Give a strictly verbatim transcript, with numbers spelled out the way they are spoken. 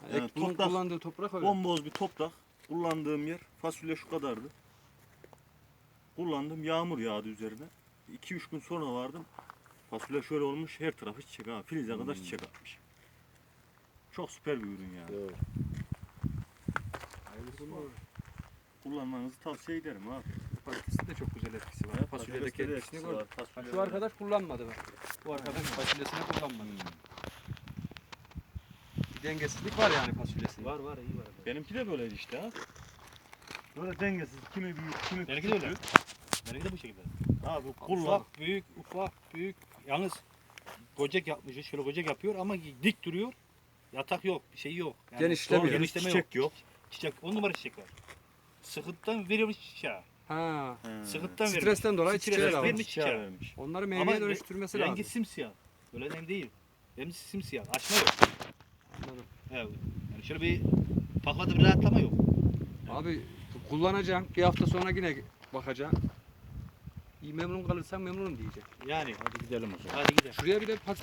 Yani Ek bunun toprak, kullandığı toprak öyle. bomboz bir toprak. Kullandığım yer fasulye şu kadardı. Kullandım, yağmur yağdı üzerine. iki üç gün sonra vardım. Fasulye şöyle olmuş, her tarafı çiçek ha. Filize kadar Hmm. çiçek atmış. Çok süper bir ürün yani. Doğru. Hayırlısı var. Kullanmanızı tavsiye ederim abi. Patateste de çok güzel etkisi var. Ya, Fasulyedeki patateste de etkisini etkisi gördüm. var, Ha, fasulyede şu var. arkadaş kullanmadı bak. Bu arkadaş fasulyesine kullanmadı. Bir dengesizlik var yani fasulyesinde. Var var iyi var. Benimki de böyleydi işte ha. Böyle dengesiz, kimi büyük, kimi Benimki küçük. de öyle. Benimki de bu şekilde. Abi kullan. Ufak büyük ufak büyük. Yalnız gocek yapmış. Şöyle gocek yapıyor ama dik duruyor. Yatak yok, bir şey yok. Yani Genişlemiyor. doğru genişleme Çiçek yok. yok. Çiçek, on numara çiçek var. Sıkıntıdan veriyormuş çiçeği. Ha. He. Sıkıntıdan veriyor. Stresten dolayı Stresten çiçeğe vermiş almış. çiçeği. Çiçeğe vermiş. Onları Ama meyveye re- dönüştürmesi rengi lazım. simsiyah. Öyle nem değil. Rengi simsiyah. Açma yok. Anladım. Evet. Yani şöyle bir paklada bir rahatlama yok. Abi kullanacağım. Bir hafta sonra yine bakacağım. İyi memnun kalırsan memnunum diyecek. Yani Hadi gidelim o zaman. hadi gidelim. Şuraya bir de pas